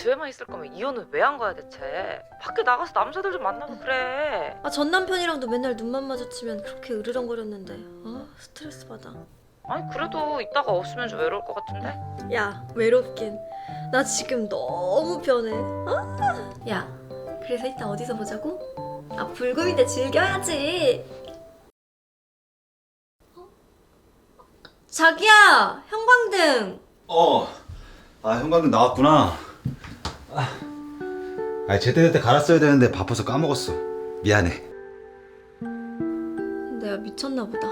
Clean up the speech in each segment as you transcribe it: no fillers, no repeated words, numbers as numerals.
집에만 있을 거면 이혼은 왜 한 거야 대체? 밖에 나가서 남자들 좀 만나고 그래. 전 남편이랑도 맨날 눈만 마주치면 그렇게 으르렁거렸는데 스트레스 받아. 아니 그래도 이따가 없으면 좀 외로울 것 같은데? 야, 외롭긴. 나 지금 너무 편해. 야, 그래서 이따 어디서 보자고? 불금인데 즐겨야지. 자기야, 형광등. 형광등 나왔구나. 제때제때 갈았어야 되는데 바빠서 까먹었어. 미안해. 내가 미쳤나 보다.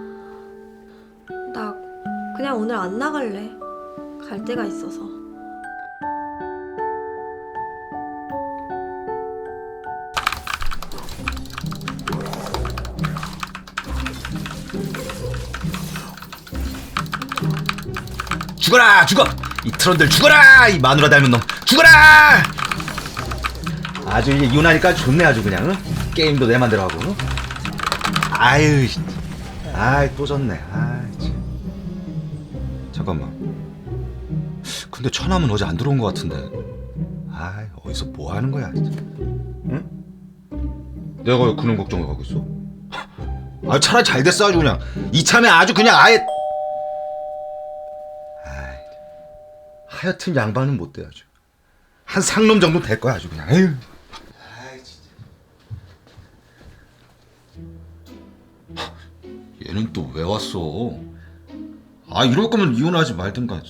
나 그냥 오늘 안 나갈래. 갈 데가 있어서. 죽어라, 죽어! 이 트런들 죽어라! 이 마누라 닮은 놈 죽어라! 아주 이제 이혼하니까 좋네 아주 그냥. 응? 게임도 내 맘대로 하고. 응? 아유, 또 졌네. 참. 잠깐만. 근데 처남은 어제 안 들어온 것 같은데. 어디서 뭐 하는 거야 진짜. 응? 내가 왜 그런 걱정을 하고 있어? 차라리 잘 됐어 아주 그냥. 이참에 아주 그냥 아예. 하여튼 양반은 못 돼 아주. 한 상놈 정도 될 거야 아주 그냥. 에휴. 진짜. 얘는 또 왜 왔어? 이럴 거면 이혼하지 말든가.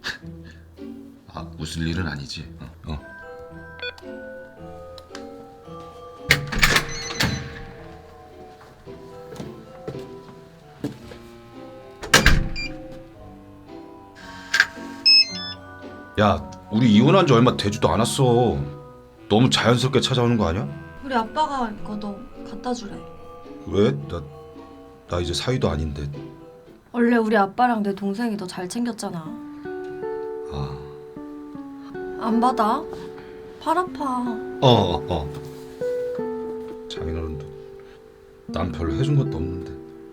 웃을 일은 아니지. 야, 우리 이혼한 지 얼마 되지도 않았어. 너무 자연스럽게 찾아오는 거 아니야? 우리 아빠가 이거 너 갖다 주래. 왜? 나 이제 사위도 아닌데. 원래 우리 아빠랑 내 동생이 너 잘 챙겼잖아. 안 받아? 팔 아파. 장인어른도 난 별로 해준 것도 없는데.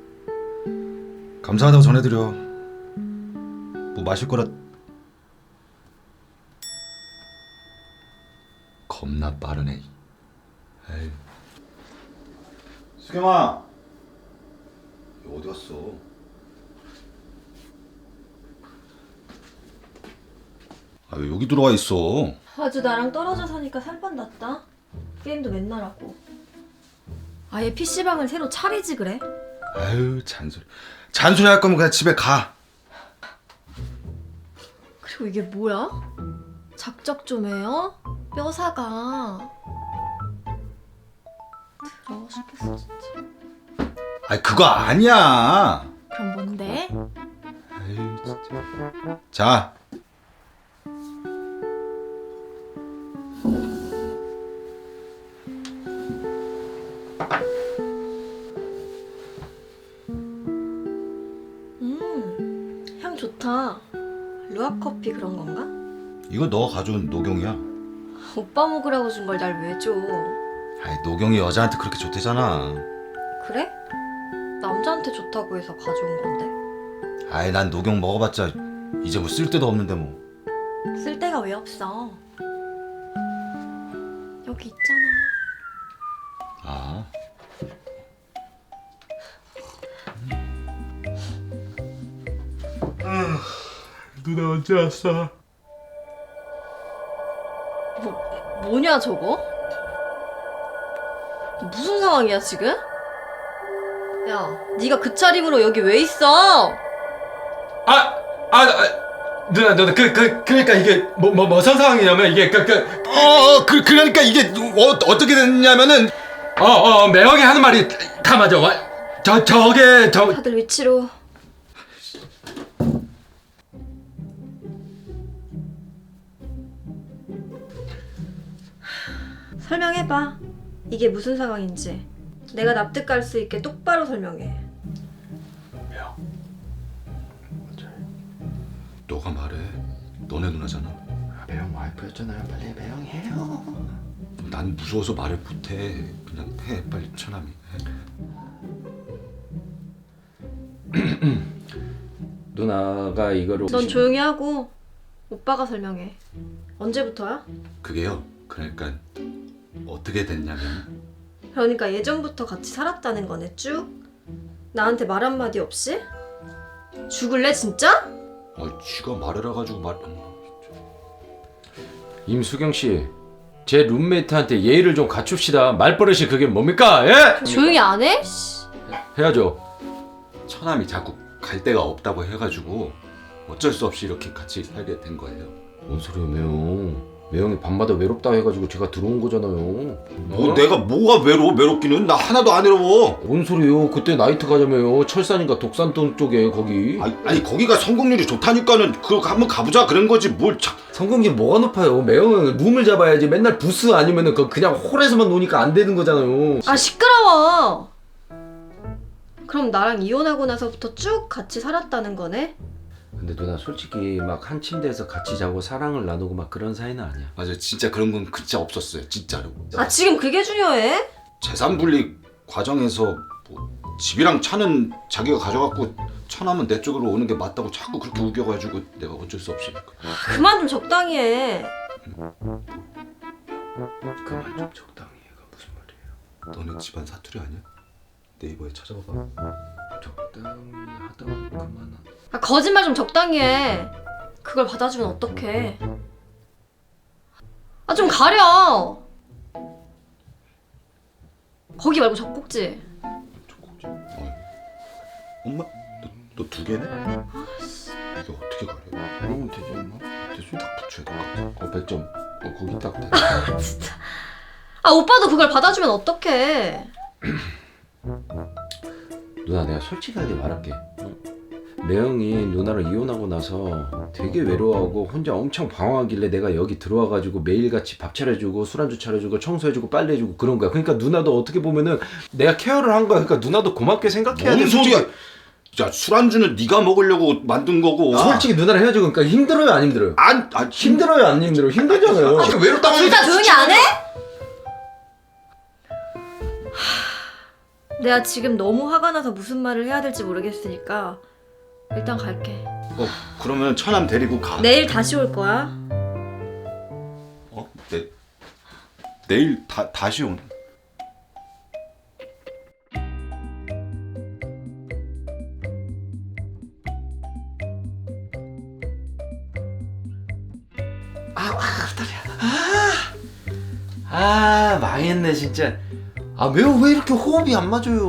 감사하다고 전해드려. 뭐 마실 거라. 겁나 빠르네. 에이. 수경아, 어디 갔어? 왜 여기 들어와 있어? 아주 나랑 떨어져 사니까 살판 났다. 게임도 맨날 하고. 아예 PC방을 새로 차리지 그래? 잔소리 할 거면 그냥 집에 가. 그리고 이게 뭐야? 작작 좀 해요? 뼈사가. 더러워 죽겠어 진짜. 그거 아니야. 그럼 뭔데? 진짜. 자. 향 좋다. 루아 커피 그런 건가? 이거 너가 가져온 녹용이야. 오빠 먹으라고 준 걸 날 왜 줘? 녹용이 여자한테 그렇게 좋대잖아. 그래? 남자한테 좋다고 해서 가져온 건데. 난 녹용 먹어봤자 이제 뭐 쓸데도 없는데 뭐. 쓸 데가 왜 없어? 여기 있잖아. 누나 언제 왔어? 뭐냐 저거? 무슨 상황이야 지금? 야, 네가 그 차림으로 여기 왜 있어? 누나 그러니까 이게 무슨 상황이냐면 이게 그러니까 이게 어떻게 됐냐면은 매형이 하는 말이 다 맞아. 저게 다들 위치로. 설명해봐. 이게 무슨 상황인지. 내가 납득할 수 있게 똑바로 설명해. 너가 말해. 너네 누나잖아. 매형 와이프였잖아요. 빨리 매형해요. 난 무서워서 말을 못해. 그냥 해 빨리 처남이. 누나가 이거를 넌 조용히 하고 오빠가 설명해. 언제부터야? 그게요. 그러니까 어떻게 됐냐면 그러니까 예전부터 같이 살았다는 거네 쭉? 나한테 말 한마디 없이? 죽을래 진짜? 쥐가 말을 해가지고 말. 임수경 씨, 제 룸메이트한테 예의를 좀 갖춥시다. 말버릇이 그게 뭡니까? 예? 조용히 안 해? 해야죠. 처남이 자꾸 갈 데가 없다고 해가지고 어쩔 수 없이 이렇게 같이 살게 된 거예요. 뭔 소리야, 매형. 매형이 밤마다 외롭다 해가지고 제가 들어온 거잖아요. 뭐 내가 뭐가 외롭기는 나 하나도 안 외로워. 뭔 소리요? 그때 나이트 가자며요. 철산인가 독산동 쪽에 거기. 아니 거기가 성공률이 좋다니까는 그거 한번 가보자 그런 거지 뭘 참. 성공률 뭐가 높아요? 매형은 룸을 잡아야지. 맨날 부스 아니면은 그냥 홀에서만 노니까 안 되는 거잖아요. 아 시끄러워. 그럼 나랑 이혼하고 나서부터 쭉 같이 살았다는 거네? 근데 누나 솔직히 막 한 침대에서 같이 자고 사랑을 나누고 막 그런 사이는 아니야. 맞아, 진짜 그런 건 진짜 없었어요, 진짜로. 아 지금 그게 중요해? 재산 분리 과정에서 뭐 집이랑 차는 자기가 가져갔고 처남은 내 쪽으로 오는 게 맞다고 자꾸 그렇게 우겨가지고 내가 어쩔 수 없이. 그만 좀 적당히 해. 그만 좀 적당히 해가 무슨 말이에요? 너네 집안 사투리 아니야? 네이버에 찾아봐봐. 적당히 하다 그만. 아 거짓말 좀 적당히 해. 그걸 받아주면 어떡해. 아 좀 가려. 거기 말고 젖꼭지. 엄마, 너 두 개네? 이게 어떻게 가려? 그러면 되지 엄마? 대충 딱 붙여야 될 것 같아. 100점. 거기 딱 돼. 아 오빠도 그걸 받아주면 어떡해. 누나 내가 솔직하게 말할게. 매형이 누나랑 이혼하고 나서 되게 외로워하고 혼자 엄청 방황하길래 내가 여기 들어와가지고 매일같이 밥 차려주고 술안주 차려주고 청소해주고 빨래해주고 그런 거야. 그러니까 누나도 어떻게 보면은 내가 케어를 한 거야. 그러니까 누나도 고맙게 생각해야 돼. 뭔 소리야? 야 술안주는 네가 먹으려고 만든 거고. 솔직히 누나랑 헤어지고 그러니까 힘들어요 안 힘들어요? 힘들어요 안 힘들어요? 힘들잖아요. 외롭다고 둘 다 조용히 안 해? 내가 지금 너무 화가 나서 무슨 말을 해야 될지 모르겠으니까 일단 갈게. 그러면 처남 데리고 가. 내일 다시 올 거야. 내일 다시 온. 아 망했네 진짜. 아 매형 왜 이렇게 호흡이 안 맞아요?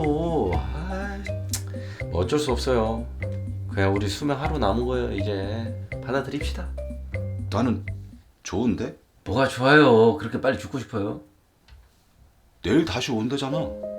뭐 어쩔 수 없어요. 그냥 우리 수명 하루 남은 거예요. 이제 받아들입시다. 나는 좋은데? 뭐가 좋아요? 그렇게 빨리 죽고 싶어요? 내일 다시 온대잖아.